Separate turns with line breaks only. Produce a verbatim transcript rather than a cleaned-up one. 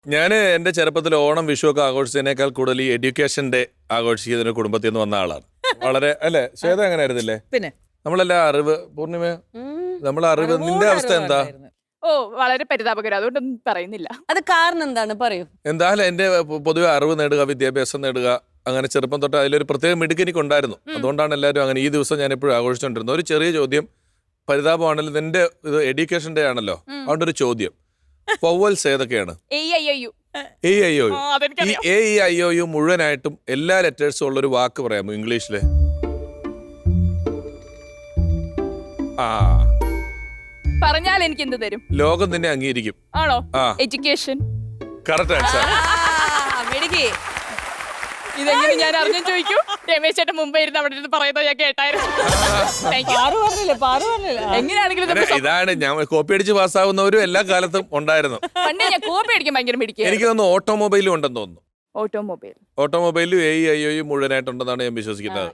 ഞാൻ എന്റെ ചെറുപ്പത്തിൽ ഓണം വിഷു ഒക്കെ ആഘോഷിച്ചതിനേക്കാൾ കൂടുതൽ ഈ എഡ്യൂക്കേഷൻ ഡേ ആഘോഷിക്കുന്നതിന് കുടുംബത്തിൽ നിന്ന് വന്ന ആളാണ്. വളരെ അല്ലെ ശ്വേത അങ്ങനെ ആയിരുന്നില്ലേ?
പിന്നെ
നമ്മളെല്ലാം അറിവ് പൂർണിമ നമ്മളെ അറിവ് നിന്റെ അവസ്ഥ എന്താ?
ഓ വളരെ പരിതാപകരം, അതുകൊണ്ടൊന്നും പറയുന്നില്ല.
അത് കാരണം എന്താണ് പറയൂ.
എന്തായാലും എന്റെ പൊതുവെ അറിവ് നേടുക, വിദ്യാഭ്യാസം നേടുക, അങ്ങനെ ചെറുപ്പം തൊട്ട് അതിലൊരു പ്രത്യേക മിടുക്ക് എനിക്കുണ്ടായിരുന്നു. അതുകൊണ്ടാണ് എല്ലാവരും അങ്ങനെ ഈ ദിവസം ഞാൻ എപ്പോഴും ആഘോഷിച്ചുകൊണ്ടിരുന്നത്. ഒരു ചെറിയ ചോദ്യം, പരിതാപമാണല്ലോ, നിന്റെ ഇത് എഡ്യൂക്കേഷൻ ഡേ ആണല്ലോ, അതുകൊണ്ട് ഒരു ചോദ്യം, വവ്വൽസ് ഏതൊക്കെയാണ്?
A I I U
A I O U.
ആ,
ഈ
അതെനിക്കറിയാം.
A E I O U മുഴുവനായിട്ടും എല്ലാ ലെറ്റേഴ്സും ഉള്ളൊരു വാക്ക് പറയാമോ ഇംഗ്ലീഷില്? ആ,
പറഞ്ഞാൽ എനിക്ക് എന്ത് തരും?
ലോകം നിന്നെ അംഗീകരിക്കും.
ആണോ?
ആ,
എഡ്യൂക്കേഷൻ.
Correct answer.
മെടുക്കി.
ഇതെങ്ങനെ ഞാൻ അറിഞ്ഞു ചോദിക്കൂ? രമേശ് ചേട്ടൻ മുമ്പേ ഇരുന്ന് അവിടെ ഇരുന്ന് പറയുന്നത് ഞാൻ കേട്ടായിരുന്നു. Thank you.
പാറു പറഞ്ഞില്ലേ പാറു പറഞ്ഞില്ലേ
എങ്ങനെയാണെങ്കിലും
അങ്ങനെ
നമുക്ക്
ഇതാണ് ഞാൻ കോപ്പി അടിച്ച് പാസ്സാവുന്നവരും എല്ലാ കാലത്തും ഉണ്ടായിരുന്നു.
പണ്ട് ഞാൻ കോപ്പി അടിക്കാൻ ഭയങ്കര മിടിക്കുക.
എനിക്ക് തോന്നുന്നു ഓട്ടോമൊബൈലും ഉണ്ടെന്ന് തോന്നുന്നു.
ഓട്ടോമൊബൈൽ
ഓട്ടോമൊബൈലും A E I O U മുഴുവനായിട്ടുണ്ടെന്നാണ് ഞാൻ വിശ്വസിക്കുന്നത്.